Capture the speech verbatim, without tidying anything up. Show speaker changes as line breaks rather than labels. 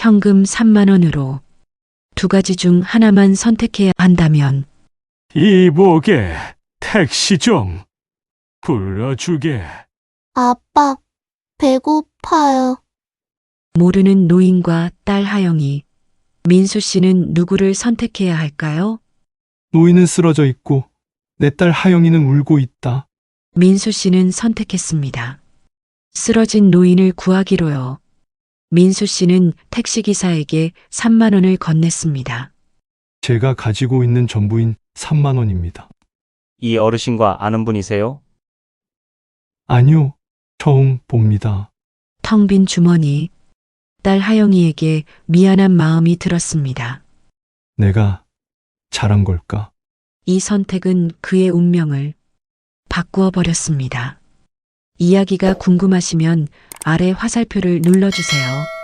현금 삼만 원으로 두 가지 중 하나만 선택해야 한다면
이보게, 택시 좀 불러주게.
아빠, 배고파요.
모르는 노인과 딸 하영이 민수 씨는 누구를 선택해야 할까요?
노인은 쓰러져 있고 내 딸 하영이는 울고 있다.
민수 씨는 선택했습니다. 쓰러진 노인을 구하기로요. 민수 씨는 택시기사에게 삼만 원을 건넸습니다.
제가 가지고 있는 전부인 삼만 원입니다.
이 어르신과 아는 분이세요?
아니요, 처음 봅니다.
텅 빈 주머니, 딸 하영이에게 미안한 마음이 들었습니다.
내가 잘한 걸까?
이 선택은 그의 운명을 바꾸어 버렸습니다. 이야기가 궁금하시면 아래 화살표를 눌러주세요.